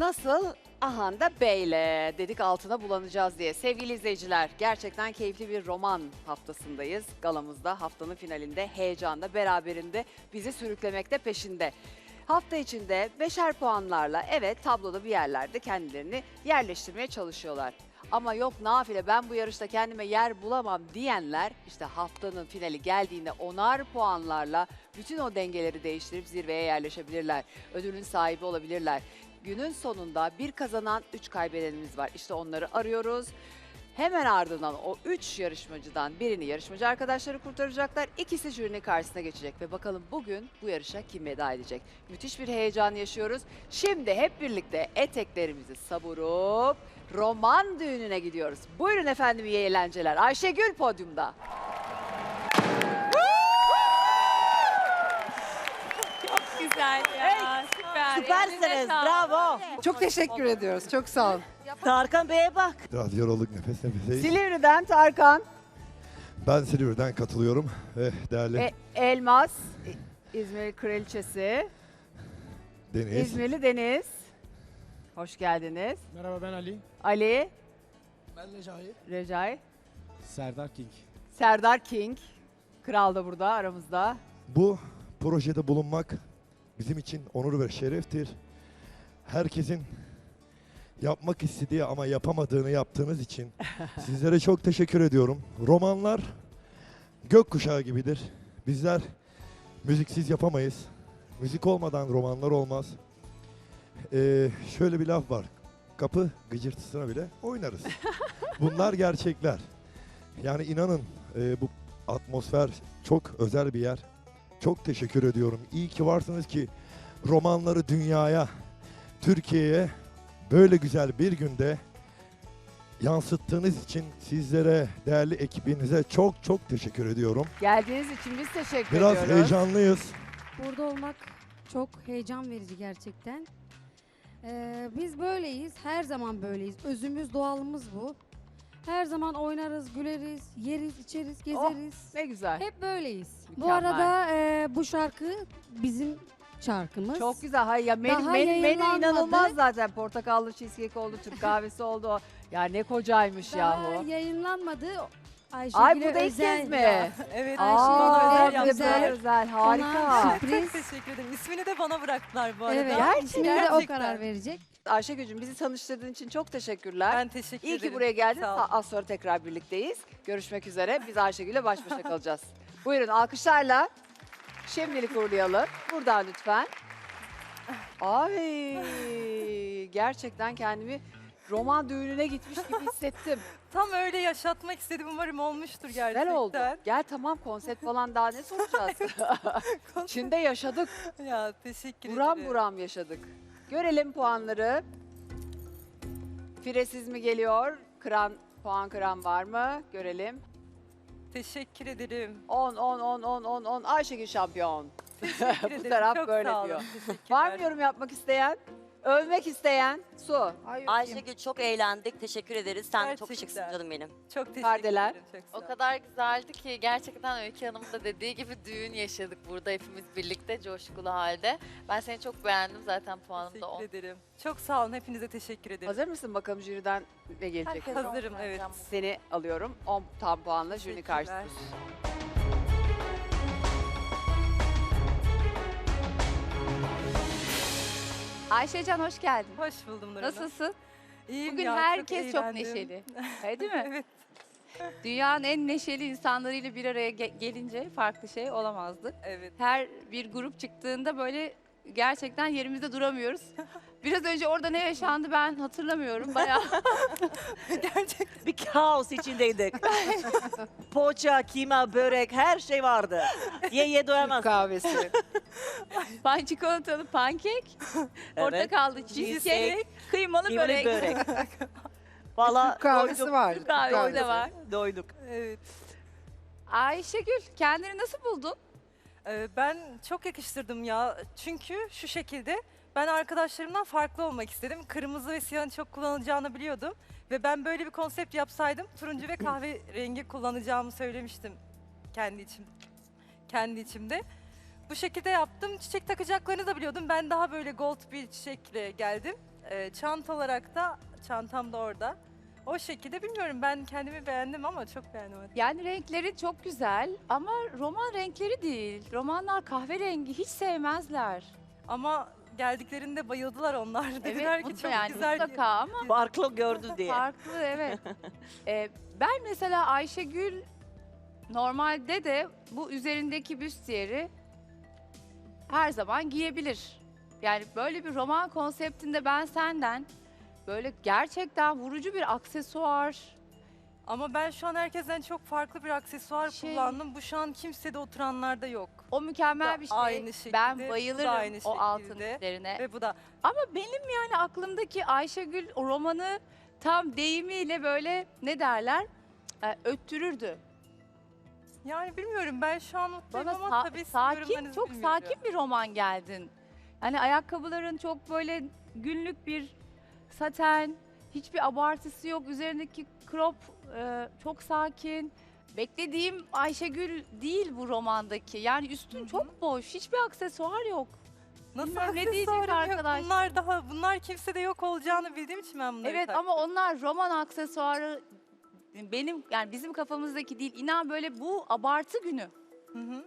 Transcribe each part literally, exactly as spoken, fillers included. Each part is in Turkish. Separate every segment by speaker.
Speaker 1: Nasıl? Ahanda Bey'le dedik altına bulanacağız diye. Sevgili izleyiciler, gerçekten keyifli bir roman haftasındayız. Galamızda haftanın finalinde, heyecanda, beraberinde bizi sürüklemekte peşinde. Hafta içinde beşer puanlarla evet tabloda bir yerlerde kendilerini yerleştirmeye çalışıyorlar. Ama yok nafile ben bu yarışta kendime yer bulamam diyenler işte haftanın finali geldiğinde onar puanlarla bütün o dengeleri değiştirip zirveye yerleşebilirler. Ödülün sahibi olabilirler. Günün sonunda bir kazanan, üç kaybedenimiz var. İşte onları arıyoruz. Hemen ardından o üç yarışmacıdan birini yarışmacı arkadaşları kurtaracaklar. İkisi jürinin karşısına geçecek ve bakalım bugün bu yarışa kim veda edecek? Müthiş bir heyecan yaşıyoruz. Şimdi hep birlikte eteklerimizi savurup roman düğününe gidiyoruz. Buyurun efendim, iyi eğlenceler. Ayşegül podyumda.
Speaker 2: Güzel ya, süper.
Speaker 3: Süpersiniz,
Speaker 2: Elinize sağlık.
Speaker 3: bravo.
Speaker 4: Çok teşekkür ediyoruz. Çok sağ olun.
Speaker 3: Tarkan Bey'e bak.
Speaker 5: Biraz yorulduk, nefes nefeseyiz.
Speaker 1: Silivri'den Tarkan,
Speaker 5: Ben Silivri'den katılıyorum ve değerli
Speaker 1: e, Elmas, İ- İzmir Kraliçesi,
Speaker 5: Deniz.
Speaker 1: İzmirli Deniz. Hoş geldiniz.
Speaker 6: Merhaba, ben Ali.
Speaker 1: Ali,
Speaker 6: Ben Recai.
Speaker 1: Recai,
Speaker 6: Serdar King.
Speaker 1: Serdar King. Kral da burada aramızda.
Speaker 5: Bu projede bulunmak bizim için onur ve şereftir. Herkesin yapmak istediği ama yapamadığını yaptığınız için sizlere çok teşekkür ediyorum. Romanlar gökkuşağı gibidir. Bizler müziksiz yapamayız. Müzik olmadan romanlar olmaz. Ee, şöyle bir laf var. Kapı gıcırtısına bile oynarız. Bunlar gerçekler. Yani inanın e, bu atmosfer çok özel bir yer. Çok teşekkür ediyorum. İyi ki varsınız ki romanları dünyaya, Türkiye'ye böyle güzel bir günde yansıttığınız için sizlere, değerli ekibinize çok çok teşekkür ediyorum.
Speaker 1: Geldiğiniz için biz teşekkür
Speaker 5: Biraz
Speaker 1: ediyoruz.
Speaker 5: heyecanlıyız.
Speaker 7: Burada olmak çok heyecan verici gerçekten. Ee, biz böyleyiz, her zaman böyleyiz. Özümüz, doğalımız bu. Her zaman oynarız, güleriz, yeriz, içeriz, gezeriz.
Speaker 1: Ne güzel.
Speaker 7: Hep böyleyiz. Bu
Speaker 1: Mükemmel.
Speaker 7: arada e, bu şarkı bizim şarkımız.
Speaker 1: Çok güzel. Hayır ya menü,
Speaker 7: Daha
Speaker 1: menü, menü
Speaker 7: yayınlanmadı.
Speaker 1: inanılmaz zaten. Portakallı cheesecake oldu, Türk kahvesi oldu. Ya ne kocaymış
Speaker 7: Daha
Speaker 1: yahu.
Speaker 7: yayınlanmadı.
Speaker 1: Ay
Speaker 7: Ayşegül'e
Speaker 1: bu da ilk
Speaker 7: özel.
Speaker 1: kez mi?
Speaker 2: Evet,
Speaker 1: Aa,
Speaker 7: Ayşegül'e
Speaker 1: bir de
Speaker 7: özel.
Speaker 1: böyle özel.
Speaker 7: Ona
Speaker 1: Harika.
Speaker 7: sürpriz.
Speaker 2: Çok teşekkür ederim. İsmini de bana bıraktılar bu arada.
Speaker 7: Evet,
Speaker 1: Gerçekten.
Speaker 7: ismini de o
Speaker 2: Gerçekten.
Speaker 7: karar verecek.
Speaker 1: Ayşegül'cüm bizi tanıştırdığın için çok teşekkürler.
Speaker 2: Ben teşekkür
Speaker 1: İyi
Speaker 2: ederim.
Speaker 1: ki buraya geldin.
Speaker 2: Sağ olun.
Speaker 1: Az sonra tekrar birlikteyiz. Görüşmek üzere. Biz Ayşegül'le baş başa kalacağız. Buyurun alkışlarla şimdilik uğurlayalım. Buradan lütfen. Ay gerçekten kendimi roman düğününe gitmiş gibi hissettim.
Speaker 2: Tam öyle yaşatmak istedim. Umarım olmuştur gerçekten.
Speaker 1: Güzel oldu. Gel tamam, konsept falan daha ne soracağız? Çin'de yaşadık.
Speaker 2: Ya teşekkür
Speaker 1: Buram
Speaker 2: ederim.
Speaker 1: buram yaşadık. Görelim puanları. Firesiz mi geliyor? Kıran, puan kıran var mı? Görelim.
Speaker 2: Teşekkür ederim.
Speaker 1: on, on, on, on, on, on. Ayşegül şampiyon.
Speaker 2: Teşekkür
Speaker 1: Bu
Speaker 2: ederim.
Speaker 1: taraf
Speaker 2: Çok
Speaker 1: böyle
Speaker 2: sağ olun.
Speaker 1: diyor.
Speaker 2: Teşekkürler.
Speaker 1: Var mı yorum yapmak isteyen? Övmek isteyen? Su.
Speaker 3: Ayşegül çok eğlendik. Teşekkür ederiz. Sen de çok
Speaker 2: Gerçekten.
Speaker 3: şıksın canım benim.
Speaker 2: Çok teşekkür
Speaker 1: Perdeler.
Speaker 2: ederim. Çok sağ
Speaker 8: O
Speaker 2: olun.
Speaker 8: kadar güzeldi ki gerçekten Öykü Hanım'ın da dediği gibi düğün yaşadık burada hepimiz birlikte coşkulu halde. Ben seni çok beğendim, zaten puanım da on.
Speaker 2: Teşekkür ederim. Çok sağ olun. Hepinize teşekkür ederim.
Speaker 1: Hazır mısın bakalım jüriden ne gelecek?
Speaker 8: Herkes
Speaker 2: Hazırım,
Speaker 8: on
Speaker 2: evet.
Speaker 8: vereceğim.
Speaker 1: Seni alıyorum. on tam puanla jüri
Speaker 2: Teşekkürler.
Speaker 1: karşısında.
Speaker 9: Ayşecan hoş geldin.
Speaker 2: Hoş buldum Nur Hanım.
Speaker 9: Nasılsın?
Speaker 2: İyiyim
Speaker 9: Bugün
Speaker 2: ya,
Speaker 9: herkes çok,
Speaker 2: eğlendim.
Speaker 9: neşeli. Öyle değil mi?
Speaker 2: Evet.
Speaker 9: Dünyanın en neşeli insanlarıyla bir araya ge- gelince farklı şey olamazdı.
Speaker 2: Evet.
Speaker 9: Her bir grup çıktığında böyle gerçekten yerimizde duramıyoruz. Biraz önce orada ne yaşandı ben hatırlamıyorum. Bayağı
Speaker 2: Gerçekten.
Speaker 3: Bir kaos içindeydik. Poğaça, kıyma, börek her şey vardı. Ye ye
Speaker 1: Türk
Speaker 3: doyamazsın.
Speaker 1: kahvesi.
Speaker 9: pan çikolatalı pankek, portakallı cheesecake,
Speaker 3: Cheesecake,
Speaker 9: kıymalı
Speaker 3: kıymalı
Speaker 9: börek.
Speaker 3: börek. Valla
Speaker 4: Türk kahvesi
Speaker 3: doyduk.
Speaker 4: var.
Speaker 9: Türk kahvesi de
Speaker 4: kahvesi.
Speaker 9: var.
Speaker 3: Doyduk.
Speaker 2: Evet.
Speaker 9: Ayşegül kendini nasıl buldun?
Speaker 2: Ee, Ben çok yakıştırdım ya. Çünkü şu şekilde ben arkadaşlarımdan farklı olmak istedim. Kırmızı ve siyahın çok kullanılacağını biliyordum. Ve ben böyle bir konsept yapsaydım turuncu ve kahverengi kullanacağımı söylemiştim kendi içim kendi içimde. Bu şekilde yaptım. Çiçek takacaklarını da biliyordum. Ben daha böyle gold bir çiçekle geldim. Ee, çanta olarak da çantam da orada. O şekilde bilmiyorum, ben kendimi beğendim ama çok beğendim. hadi.
Speaker 9: Yani renkleri çok güzel ama roman renkleri değil. Romanlar kahverengi hiç sevmezler.
Speaker 2: Ama geldiklerinde bayıldılar onlar. Dediler
Speaker 9: Evet
Speaker 2: ki
Speaker 9: mutlu
Speaker 2: çok
Speaker 9: yani
Speaker 2: güzel.
Speaker 9: mutlaka ama
Speaker 3: Farklı gördü diye.
Speaker 9: farklı evet. Ee, ben mesela Ayşegül normalde de bu üzerindeki büstiyeri her zaman giyebilir. Yani böyle bir roman konseptinde ben senden böyle gerçekten vurucu bir aksesuar,
Speaker 2: Ama ben şu an herkesten çok farklı bir aksesuar
Speaker 9: Şey-
Speaker 2: kullandım. Bu şu an kimsede oturanlarda yok.
Speaker 9: o mükemmel
Speaker 2: Da
Speaker 9: bir şey.
Speaker 2: aynı şekilde,
Speaker 9: ben
Speaker 2: bu da
Speaker 9: bayılırım
Speaker 2: aynı
Speaker 9: o altın
Speaker 2: şekilde.
Speaker 9: üzerine.
Speaker 2: Ve bu da
Speaker 9: Ama benim yani aklımdaki Ayşegül o romanı tam deyimiyle böyle ne derler e, öttürürdü.
Speaker 2: yani bilmiyorum, ben şu an mutluyum
Speaker 9: Bana
Speaker 2: ama
Speaker 9: sa-
Speaker 2: tabii sizin
Speaker 9: sakin,
Speaker 2: yorumlarınızı
Speaker 9: çok
Speaker 2: bilmiyorum.
Speaker 9: sakin bir roman geldin. Yani ayakkabıların çok böyle günlük bir saten, hiçbir abartısı yok. Üzerindeki crop e, çok sakin. Beklediğim Ayşegül değil bu romandaki. Yani üstün
Speaker 2: Hı hı.
Speaker 9: çok boş, hiçbir aksesuar yok.
Speaker 2: Nasıl
Speaker 9: Bilmiyorum, ne diyecek
Speaker 2: aksesuarım yok?
Speaker 9: arkadaş?
Speaker 2: Bunlar daha, bunlar kimsede yok olacağını bildiğim için ben bunları
Speaker 9: Evet
Speaker 2: taktım.
Speaker 9: ama onlar roman aksesuarı benim yani bizim kafamızdaki değil. İnan böyle bu abartı günü.
Speaker 2: Hı hı.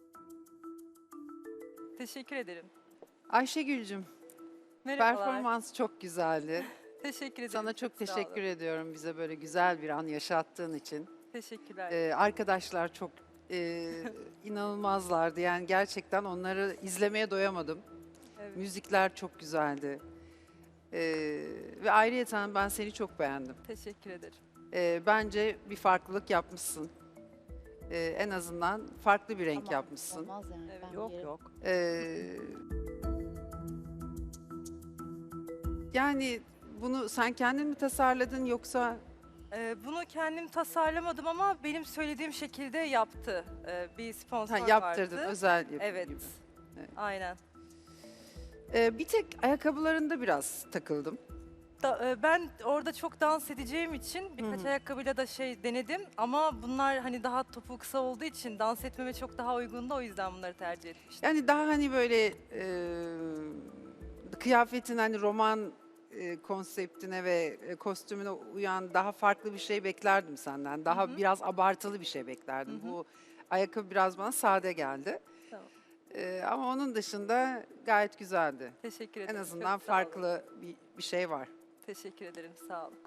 Speaker 2: Teşekkür ederim.
Speaker 4: Ayşegül'cüm,
Speaker 2: Merhabalar.
Speaker 4: performans çok güzeldi.
Speaker 2: Teşekkür ederim.
Speaker 4: Sana çok
Speaker 2: sağ
Speaker 4: teşekkür
Speaker 2: olun.
Speaker 4: ediyorum bize böyle güzel bir an yaşattığın için.
Speaker 2: Teşekkürler.
Speaker 4: Ee, arkadaşlar çok e, inanılmazlardı. Yani gerçekten onları izlemeye doyamadım.
Speaker 2: Evet.
Speaker 4: Müzikler çok güzeldi. Ee, ve ayrıyeten ben seni çok beğendim.
Speaker 2: Teşekkür ederim.
Speaker 4: Ee, bence bir farklılık yapmışsın. Ee, en azından farklı bir renk
Speaker 9: Tamam,
Speaker 4: yapmışsın.
Speaker 9: Olmaz yani.
Speaker 2: Evet.
Speaker 9: ben
Speaker 3: Yok
Speaker 9: yerim.
Speaker 3: yok.
Speaker 4: Ee, yani bunu sen kendin mi tasarladın yoksa
Speaker 2: Ee, bunu kendim tasarlamadım ama benim söylediğim şekilde yaptı. Ee, bir sponsor
Speaker 4: ha, yaptırdın
Speaker 2: vardı.
Speaker 4: özel yapım
Speaker 2: Evet.
Speaker 4: gibi? Evet.
Speaker 2: Aynen.
Speaker 4: Ee, bir tek ayakkabılarında biraz takıldım.
Speaker 2: Da, e, ben orada çok dans edeceğim için birkaç
Speaker 4: Hı hı.
Speaker 2: ayakkabıyla da şey denedim ama bunlar hani daha topuğu kısa olduğu için dans etmeme çok daha uygundu, o yüzden bunları tercih etmiştim.
Speaker 4: Yani daha hani böyle e, kıyafetin hani roman e, konseptine ve e, kostümüne uyan daha farklı bir şey beklerdim senden. Daha
Speaker 2: Hı hı.
Speaker 4: biraz abartılı bir şey beklerdim.
Speaker 2: Hı hı.
Speaker 4: Bu ayakkabı biraz bana sade geldi.
Speaker 2: Tamam.
Speaker 4: Ee, ama onun dışında gayet güzeldi.
Speaker 2: Teşekkür
Speaker 4: En
Speaker 2: ederim.
Speaker 4: azından
Speaker 2: çok sağ olun.
Speaker 4: farklı bir, bir şey var.
Speaker 2: Teşekkür ederim, sağ olun.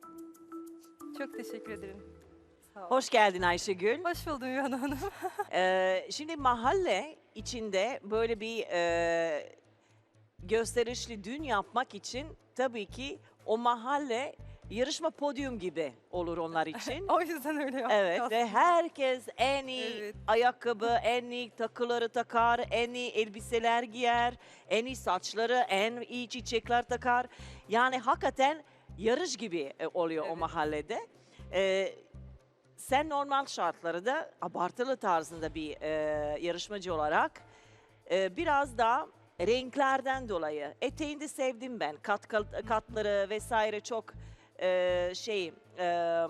Speaker 2: Çok teşekkür ederim. Sağ olun.
Speaker 3: Hoş geldin Ayşegül.
Speaker 2: Hoş buldum Yuhan Hanım.
Speaker 3: Ee, şimdi mahalle içinde böyle bir e, gösterişli düğün yapmak için tabii ki o mahalle yarışma podyum gibi olur onlar için.
Speaker 2: O yüzden öyle yaptım.
Speaker 3: Evet ve
Speaker 2: aslında.
Speaker 3: herkes en iyi
Speaker 2: Evet.
Speaker 3: ayakkabı, en iyi takıları takar, en iyi elbiseler giyer, en iyi saçları, en iyi çiçekler takar. Yani hakikaten yarış gibi e, oluyor o
Speaker 2: Evet.
Speaker 3: mahallede. Ee, sen normal şartlarda abartılı tarzında bir e, yarışmacı olarak e, biraz daha renklerden dolayı eteğini sevdim ben. Kat, kat- katları vesaire çok e, şey e, e,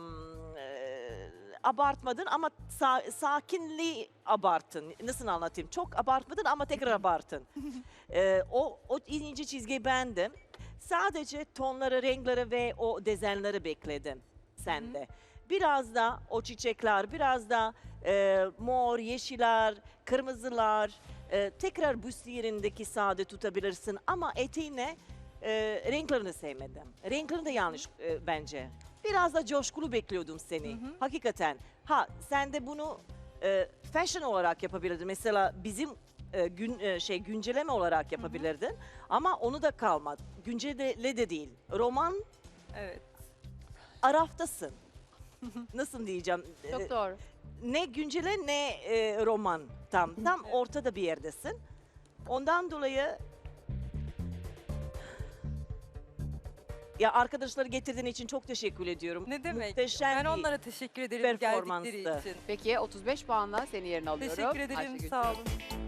Speaker 3: abartmadın ama sa- sakinliği abartın. Nasıl anlatayım? Çok abartmadın ama tekrar abartın. E, o, o ince çizgiyi beğendim. Sadece tonları, renkleri ve o dezenleri bekledim sende. Biraz da o çiçekler, biraz da e, mor, yeşiller, kırmızılar, e, tekrar büstiyerindeki sade tutabilirsin ama eteğine e, renklerini sevmedim. Renklerini de yanlış e, bence. Biraz da coşkulu bekliyordum seni.
Speaker 2: Hı hı.
Speaker 3: Hakikaten. Ha sen de bunu e, fashion olarak yapabilirdin. Mesela bizim e, gün e, şey güncelleme olarak yapabilirdin. Ama onu da kalmadı. Güncele de değil. Roman
Speaker 2: Evet.
Speaker 3: araftasın. Nasıl diyeceğim?
Speaker 9: Çok
Speaker 3: E,
Speaker 9: doğru.
Speaker 3: ne güncele ne e, roman tam. Tam
Speaker 2: Evet.
Speaker 3: ortada bir yerdesin. Ondan dolayı ya arkadaşları getirdiğin için çok teşekkür ediyorum.
Speaker 2: Ne demek?
Speaker 3: Muhteşem
Speaker 2: Ben
Speaker 3: bir
Speaker 2: onlara teşekkür ederim geldikleri
Speaker 3: performanstı.
Speaker 2: için.
Speaker 1: Peki otuz beş puanla seni yerine alıyorum.
Speaker 2: Teşekkür ederim,
Speaker 1: Ayşegül'cüğüm.
Speaker 2: sağ olun.